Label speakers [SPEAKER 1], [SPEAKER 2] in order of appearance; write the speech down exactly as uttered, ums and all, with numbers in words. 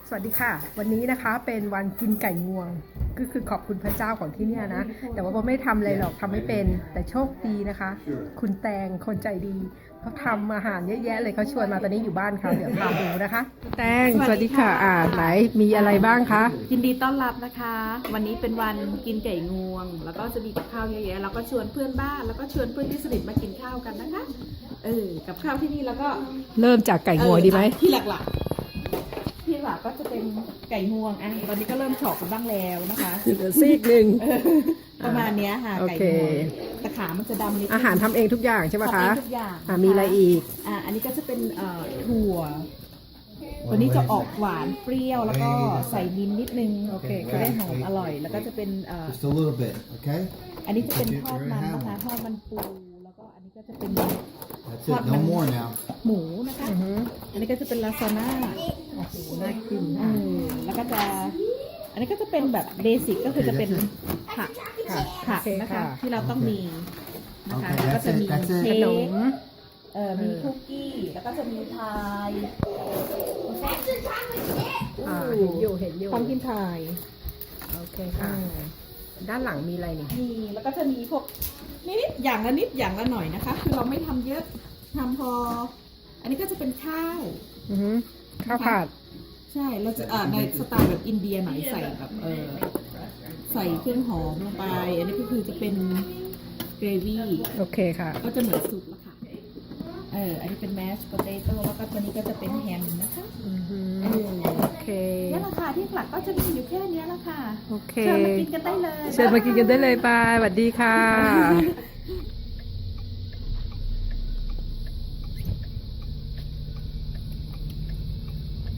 [SPEAKER 1] สวัสดีค่ะวันนี้นะคะเป็นวันกินไก่งวงก็คือขอบคุณพระเจ้าของที่เนี่ยนะแต่ว่าโบไม่ทำอะไรหรอกทำไม่เป็นแต่โชคดีนะคะ คุณแตงคนใจดีเขาทำอาหารเยอะแยะเลยเขาชวนมาตอนนี้อยู่บ้านเขาเดี๋ยวพาดูนะคะแตงสวัสดีค่ะอ่าไหนมีอะไรบ้างคะ
[SPEAKER 2] ยินดีต้อนรับนะคะ วันนี้เป็นวันกินไก่งวง แล้วก็จะมีกับข้าวเยอะแยะแล้วก็ชวนเพื่อนบ้านแล้วก็ชวนเพื่อนที่สนิทมากินข้าวกันนะคะเออกับข้าวที่นี่แล้วก็
[SPEAKER 1] เริ่มจากไก่งวงดีไหม
[SPEAKER 2] ที่หลักๆที่หลักก็จะเป็นไก่งวงอ่ะตอนนี้ก็เริ่มเฉาะกันบ้างแล้วนะคะ
[SPEAKER 1] เหลือซีกหนึ่ง
[SPEAKER 2] ประมาณนี้ค่ะไก่งวงแต่ขามันจะดำนิด
[SPEAKER 1] อาหารทำเองทุกอย่างใช่ไหมคะ
[SPEAKER 2] ทำเองทุกอย่าง
[SPEAKER 1] อ่ามีอะไรอีก
[SPEAKER 2] อ่าอันนี้ก็จะเป็นเอ่อถั่วตัวนี้จะออกหวานเปรี้ยวแล้วก็ใส่มิ้นท์นิดนึงโอเคจะได้หอมอร่อยแล้วก็จะเป็นเอ่อ
[SPEAKER 3] Just a little bit, okay?
[SPEAKER 2] อันนี้จะเป็นทอดมันนะคะทอดมันปูแล้วก็อันนี้ก็จะเป็น
[SPEAKER 3] That's it. No more now.
[SPEAKER 2] หมูนะคะอันนี้ก็จะเป็นลาซาน่าโอ้โหน่ากินเออแล้วก็จะอันนี้ก็จะเป็นแบบเบสิกก็คือจะเป็นผักผักนะคะที่เราต้องมีนะคะแล้วก็จะมีเค้กเอ่อมีคุกกี้แล้วก็จะมีพาย
[SPEAKER 1] อ่าเห็นอยู่เห็นอยู่
[SPEAKER 2] ความกินพาย
[SPEAKER 1] โอเคค่ะด้านหลังมีอะไรนี่
[SPEAKER 2] มีแล้วก็จะมีพวกนิดๆอย่างละนิดอย่างละหน่อยนะคะคือเราไม่ทำเยอะทำพออันนี้ก็จะเป็นข้าว
[SPEAKER 1] ข้าวผัด
[SPEAKER 2] ใช่เราจะอ่าในสไตล์แบบอินเดียหน่อยใส่แบบเออใส่เครื่องหอมลงไปอันนี้ก็คือจะเป็นเกรวี่
[SPEAKER 1] โอเคค่ะ
[SPEAKER 2] ก็จะเหมือนซุปละค่ะเอออันนี้เป็นแมชโพเตโต้แล้วก็ตัวนี้ก็จะเป็นแฮมนะคะ
[SPEAKER 1] เออโอเค
[SPEAKER 2] นี่ราคาที่หลักก็จะมีอยู่แค่นี้ละค่ะ
[SPEAKER 1] โอเค
[SPEAKER 2] เชิญมากินกันได้เลย
[SPEAKER 1] เชิญมากินกันได้เลยบายสวัสดีค่ะ